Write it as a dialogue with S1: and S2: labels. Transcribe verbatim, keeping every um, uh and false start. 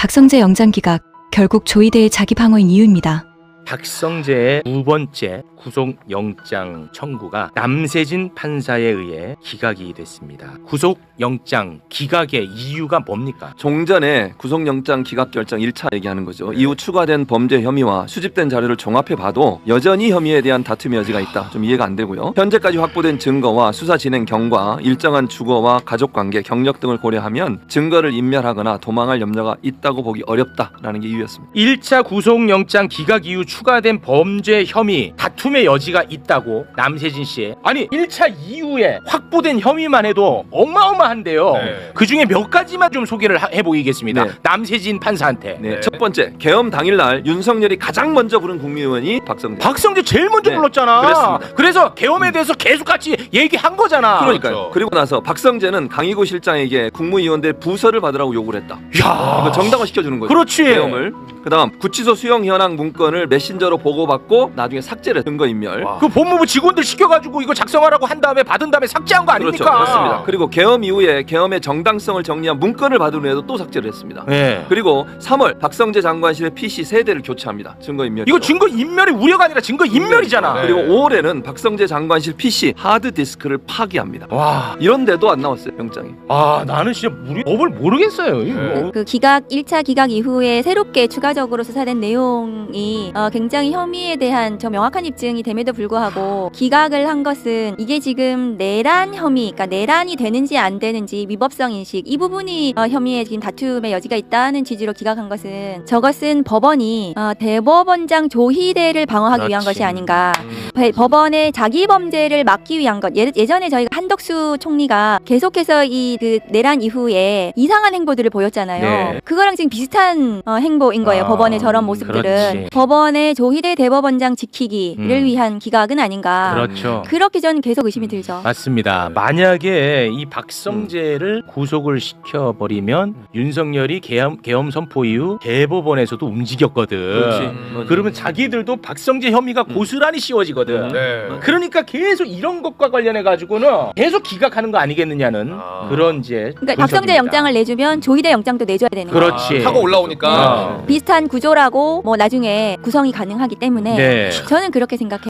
S1: 박성재 영장 기각, 결국 조이대의 자기 방어인 이유입니다.
S2: 박성재의 두 번째 구속영장 청구가 남세진 판사에 의해 기각이 됐습니다. 구속영장 기각의 이유가 뭡니까?
S3: 종전에 구속영장 기각 결정 일 차 얘기하는 거죠. 네. 이후 추가된 범죄 혐의와 수집된 자료를 종합해 봐도 여전히 혐의에 대한 다툼의 여지가 있다. 좀 이해가 안 되고요. 현재까지 확보된 증거와 수사 진행 경과, 일정한 주거와 가족관계, 경력 등을 고려하면 증거를 인멸하거나 도망할 염려가 있다고 보기 어렵다라는 게 이유였습니다.
S2: 일 차 구속영장 기각 이후 추가된 범죄 혐의, 다툼의 여지가 있다고 남세진 씨. 아니 일 차 이후에 확보된 혐의만 해도 어마어마한데요. 네. 그중에 몇 가지만 좀 소개를 하, 해보이겠습니다. 네. 남세진 판사한테.
S3: 네. 첫 번째, 계엄 당일날 윤석열이 가장 먼저 부른 국민의원이 박성재.
S2: 박성재 제일 먼저 네. 불렀잖아.
S3: 그랬습니다.
S2: 그래서 계엄에 대해서 계속 같이 얘기한 거잖아.
S3: 그러니까요.
S2: 그렇죠.
S3: 그리고 나서 박성재는 강희구 실장에게 국무위원들 부서를 받으라고 요구를 했다.
S2: 야,
S3: 이거 정당화 시켜주는 거죠.
S2: 그렇지.
S3: 계엄을. 그다음 구치소 수용 현황 문건을 메신저로 보고받고 나중에 삭제를 증거 인멸.
S2: 와. 그 법무부 직원들 시켜가지고 이거 작성하라고 한 다음에 받은 다음에 삭제한 거 아닙니까?
S3: 그렇죠. 맞습니다. 그리고 계엄 이후에 계엄의 정당성을 정리한 문건을 받은 후에도 또 삭제를 했습니다.
S2: 네.
S3: 그리고 삼월 박성재 장관실의 피씨 세 대를 교체합니다. 증거 인멸.
S2: 이거 증거 인멸이 우려가 아니라 증거 인멸이잖아.
S3: 네. 그리고 오월에는 박성재 장관실 피씨 하드 디스크를 파기합니다. 와. 이런데도 안 나왔어요, 영장이.
S2: 아, 나는 진짜 우리 법을 모르겠어요. 이거.
S4: 그, 그 기각 일 차 기각 이후에 새롭게 추가적으로 수사된 내용이 어, 굉장히 혐의에 대한 저 명확한 입증이 됨에도 불구하고 기각을 한 것은 이게 지금 내란 혐의, 그러니까 내란이 되는지 안 되는지 위법성 인식 이 부분이 어, 혐의에 지금 다툼의 여지가 있다는 취지로 기각한 것은 저것은 법원이 어, 대법원장 조희대를 방어하기
S2: 그렇지.
S4: 위한 것이 아닌가.
S2: 음.
S4: 법원의 자기 범죄를 막기 위한 것. 예, 예전에 저희가 한덕수 총리가 계속해서 이 그 내란 이후에 이상한 행보들을 보였잖아요.
S2: 네.
S4: 그거랑 지금 비슷한 어, 행보인 거예요.
S2: 아,
S4: 법원의 저런 모습들은.
S2: 그렇지.
S4: 법원의 조희대 대법원장 지키기를
S2: 음.
S4: 위한 기각은 아닌가.
S2: 그렇죠.
S4: 그렇게 저는 계속 의심이 들죠.
S2: 맞습니다. 만약에 이 박성재를 구속을 시켜버리면 윤석열이 계엄, 계엄 선포 이후 대법원에서도 움직였거든.
S3: 그렇지.
S2: 음. 그러면 자기들도 박성재 혐의가 고스란히 씌워지거든.
S5: 네.
S2: 그러니까 계속 이런 것과 관련해 가지고는 계속 기각하는 거 아니겠느냐는
S5: 아.
S2: 그런 이제
S4: 그러니까 박성재
S2: 분석입니다.
S4: 영장을 내주면 조희대 영장도 내줘야 되는 거예요.
S2: 그렇지.
S5: 타고 올라오니까
S2: 어.
S4: 비슷한 구조라고 뭐 나중에 구성이 가능하기 때문에
S2: 네.
S4: 저는 그렇게 생각해요.